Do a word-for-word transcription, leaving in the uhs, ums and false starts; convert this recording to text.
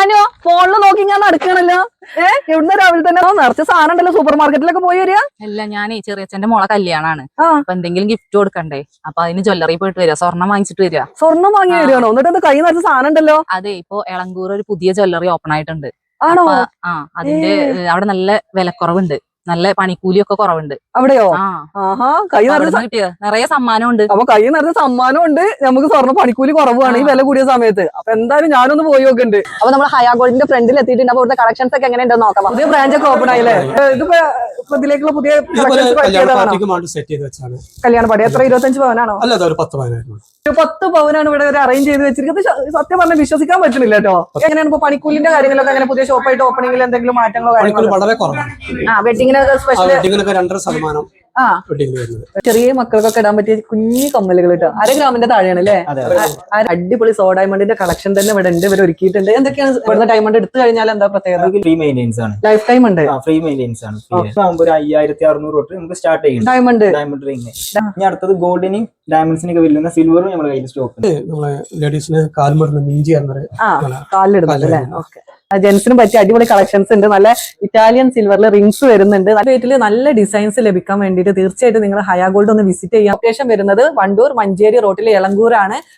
ഞാനോ ഫോണില് നോക്കി ഞാൻ നടക്കണല്ലോ. ഏഹ് എവിടുന്ന് രാവിലെ തന്നെ നിറച്ച സാധനം ഉണ്ടല്ലോ, സൂപ്പർ മാർക്കറ്റിലൊക്കെ പോയി വരിക. അല്ല, ഞാനേ ചെറിയച്ഛന്റെ മോളെ കല്യാണാണ്. ആ അപ്പൊ എന്തെങ്കിലും ഗിഫ്റ്റ് കൊടുക്കണ്ടേ, അപ്പൊ അതിന് ജ്വല്ലറി പോയിട്ട് വരിക, സ്വർണം വാങ്ങിച്ചിട്ട് വരിക. സ്വർണം വാങ്ങി വരികയാണോ? എന്നിട്ട് അത് കൈ നിറച്ച സാധനം ഉണ്ടല്ലോ. അതെ, ഇപ്പൊ എളങ്കൂർ ഒരു പുതിയ ജ്വല്ലറി ഓപ്പൺ ആയിട്ടുണ്ട്. ആണോ? ആ അതിന്റെ അവിടെ നല്ല വിലക്കുറവുണ്ട്, നല്ല പണിക്കൂലിയൊക്കെ കുറവുണ്ട്. അവിടെയോ? ആ ആഹാ, കൈ നിറച്ച കിട്ടിയ നിറയെ സമ്മാനം ഉണ്ട്. അപ്പൊ കൈ നിറച്ച സമ്മാനം ഉണ്ട്, നമുക്ക് സ്വർണ്ണ പണിക്കൂലി കുറവാണ് ഈ വില കൂടിയ സമയത്ത്. അപ്പൊ എന്തായാലും ഞാനൊന്ന് പോയി നോക്കുന്നുണ്ട്. അപ്പൊ നമ്മൾ ഹയാ ഗോൾഡിന്റെ ഫ്രണ്ടിൽ എത്തിയിട്ടുണ്ട്. അപ്പൊ ഇവിടുത്തെ കളക്ഷൻസ് ഒക്കെ എങ്ങനെയുണ്ടെന്ന് നോക്കാം. പുതിയ ബ്രാഞ്ച് ഒക്കെ ഓപ്പൺ ആയില്ലേ? ഇതിപ്പോ ഇതിലേക്കുള്ള പുതിയ കല്യാണ പാടി എത്ര? ഇരുപത്തഞ്ച് പവനാണോ? അല്ല, ഒരു പത്ത് പവനായിരുന്നു. ഒരു പത്ത് പവനാണ് ഇവിടെ ഒരു അറേഞ്ച് ചെയ്ത് വെച്ചിരിക്കുന്നത്. സത്യം പറഞ്ഞാൽ വിശ്വസിക്കാൻ പറ്റുന്നില്ല കേട്ടോ. എങ്ങനെയാണ് ഇപ്പൊ പണിക്കൂലിന്റെ കാര്യങ്ങളൊക്കെ? അങ്ങനെ പുതിയ ഷോപ്പായിട്ട് ഓപ്പണിംഗിൽ എന്തെങ്കിലും മാറ്റങ്ങളോ കാര്യങ്ങളോ? വളരെ കുറവാണ്. ആ വെഡിങ്ങിനൊക്കെ സ്പെഷ്യൽ രണ്ടര ശതമാനം ആ ചെറിയ മക്കൾക്കൊക്കെ ഇടാൻ പറ്റിയ കുഞ്ഞു കമ്മലുകൾ കേട്ടോ. അര ഗ്രാമിന്റെ താഴെയാണ് അല്ലേ? അടിപൊളി സോ ഡയമണ്ടിന്റെ കളക്ഷൻ തന്നെ ഇവിടെ ഉണ്ട്, ഇവർ ഒരുക്കിയിട്ടുണ്ട്. എന്തൊക്കെയാണ് ഇവിടുത്തെ ഡയമണ്ട് എടുത്തു കഴിഞ്ഞാൽ എന്താ പ്രത്യേകത? ഫ്രീ മെയിൻ്റെനൻസ് ആണ്, ലൈഫ് ടൈം ഉണ്ട്. ഫ്രീ മെയിൻ്റെനൻസ് ആണ്. ഒരു അയ്യായിരത്തി അറുന്നൂറ് തൊട്ട് നമുക്ക് സ്റ്റാർട്ട് ചെയ്യും ഡയമണ്ട് ഡയമണ്ട് റിംഗ്. ഇനി അടുത്തത് ഗോൾഡിനും ഡയമണ്ട്സിനൊക്കെ വരുന്ന സിൽവറും നമ്മുടെ കയ്യിൽ സ്റ്റോക്ക് ഉണ്ട്. നമ്മളെ ലേഡീസിന് കാൽമടുന്ന മിഞ്ചി എന്നൊരു കാലിലിടുന്നത് അല്ലേ? ഓക്കെ. ജെൻസിനും പറ്റിയ അടിപൊളി കളക്ഷൻസ് ഉണ്ട്. നല്ല ഇറ്റാലിയൻ സിൽവറിൽ റിംഗ്സ് വരുന്നുണ്ട്. നല്ല റേറ്റിൽ നല്ല ഡിസൈൻസ് ലഭിക്കാൻ വേണ്ടിയിട്ട് തീർച്ചയായിട്ടും നിങ്ങൾ ഹയാ ഗോൾഡ് ഒന്ന് വിസിറ്റ് ചെയ്യാം. ലൊക്കേഷൻ വരുന്നത് വണ്ടൂർ മഞ്ചേരി റോട്ടിലെ എളങ്കൂരാണ്.